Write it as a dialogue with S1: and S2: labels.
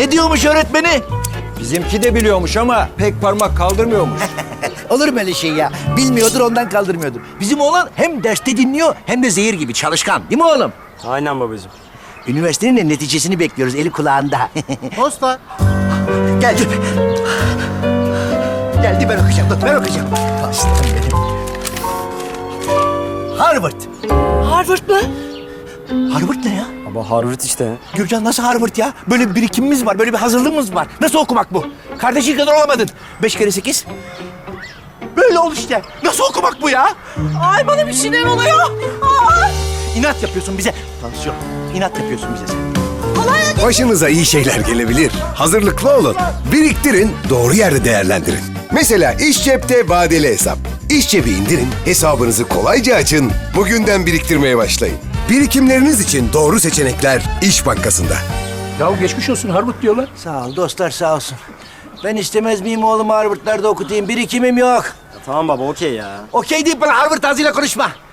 S1: Ne diyormuş öğretmeni?
S2: Bizimki de biliyormuş ama pek parmak kaldırmıyormuş.
S1: Olur mu öyle şey ya? Bilmiyordur ondan kaldırmıyordur. Bizim oğlan hem derste dinliyor hem de zehir gibi çalışkan. Değil mi oğlum?
S3: Aynen babacığım.
S1: Üniversitenin de neticesini bekliyoruz. Eli kulağında.
S4: Posta.
S1: Gel dur. Geldi ben okuyacağım. Dur ben okuyacağım. Aslanım benim. Harvard.
S5: Harvard mı?
S1: Harvard ne ya?
S3: Baba Harvard işte.
S1: Gürcan nasıl Harvard ya? Böyle bir birikimimiz var, böyle bir hazırlığımız var. Nasıl okumak bu? Kardeşin kadar olamadın. 5 kere 8. Böyle ol işte. Nasıl okumak bu ya?
S5: Ay bana bir şeyler oluyor. Ay.
S1: İnat yapıyorsun bize. Tansiyon. İnat yapıyorsun bize sen.
S6: Başınıza iyi şeyler gelebilir. Hazırlıklı olun. Biriktirin, doğru yerde değerlendirin. Mesela iş cepte vadeli hesap. İş cebi indirin, hesabınızı kolayca açın. Bugünden biriktirmeye başlayın. Birikimleriniz için doğru seçenekler İş Bankası'nda.
S7: Ya geçmiş olsun Harvard diyorlar.
S1: Sağ ol dostlar sağ olsun. Ben istemez miyim oğlumu Harvard'larda okutayım? Birikimim yok.
S3: Tamam baba okey ya.
S1: Okey deyip bana Harvard ağzıyla konuşma.